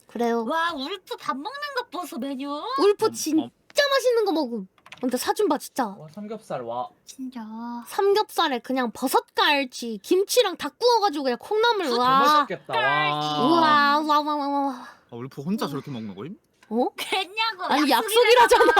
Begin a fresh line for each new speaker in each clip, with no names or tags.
그래요.
와 울프 밥 먹는 것 보소 메뉴.
울프 진짜 맛있는 거 먹음. 근데 사준 봐 진짜.
와 삼겹살 와.
진짜.
삼겹살에 그냥 버섯갈치, 김치랑 다 구워가지고 그냥 콩나물
너무
와.
맛있겠다. 와.
우와.
아, 울프 혼자 저렇게 먹는 거임?
어?
괜냐고.
아니 약속이라잖아.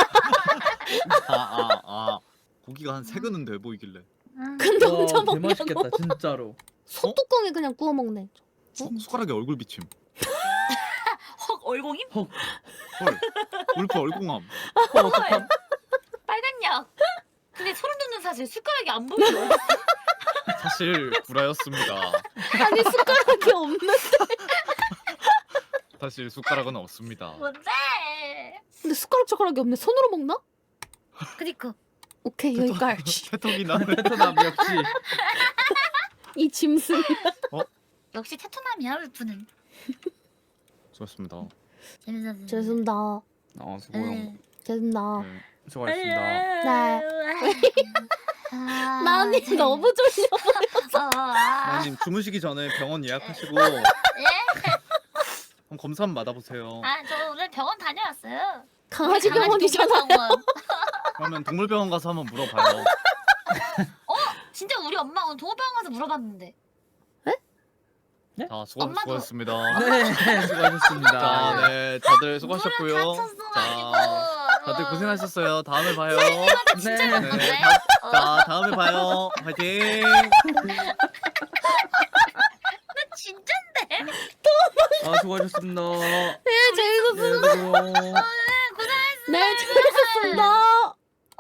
고기가 한 3근은 돼 보이길래.
근데
와,
혼자
개
먹냐고.
맛있겠다 진짜로.
소뚜껑에 그냥 구워 먹네.
숟가락에 얼굴 비침.
헉 얼공임?
헐. 울프 얼공함.
어떡함?
빨간 약. 근데 소름 돋는 사실 숟가락이 안 보여.
사실 구라였습니다.
아니 숟가락이 없는데.
사실 숟가락은 없습니다.
뭔데?
근데 숟가락이 없네. 손으로 먹나?
그니까.
오케이 여기까지.
태톡이나.
베트남 역시.
이 짐승.
역시 테토남이야 울프는.
좋았습니다.
재밌었어.
죄송합니다.
수고요.
죄송합니다.
네.
수고하셨습니다.
네.
아,
나니
재밌-
너무 졸려.
나님 주무시기 전에 병원 예약하시고 한번 검사 한번 받아보세요.
저 오늘 병원 다녀왔어요.
강아지 병원이잖아.
동물병원.
그러면 동물병원 가서 한번 물어봐요.
진짜 우리 엄마 오늘 동물병원 가서 물어봤는데.
자,
엄마도-
수고하셨습니다.
네 수고하셨습니다.
자, 네, 다들 수고하셨고요.
다쳤어가지고.
다들 고생하셨어요. 다음에 봐요.
진짜
네.
갔는데.
네, 자, 다음에 봐요. 화이팅!
나 진짠데.
수고하셨습니다.
네 재밌었습니다.
네, 수고.
고생했어.
네 재밌었습니다.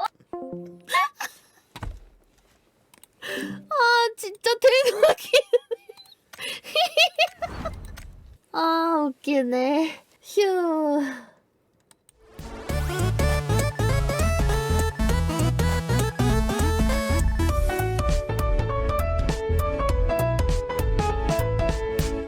아 진짜 대박이. 아 웃기네. 휴.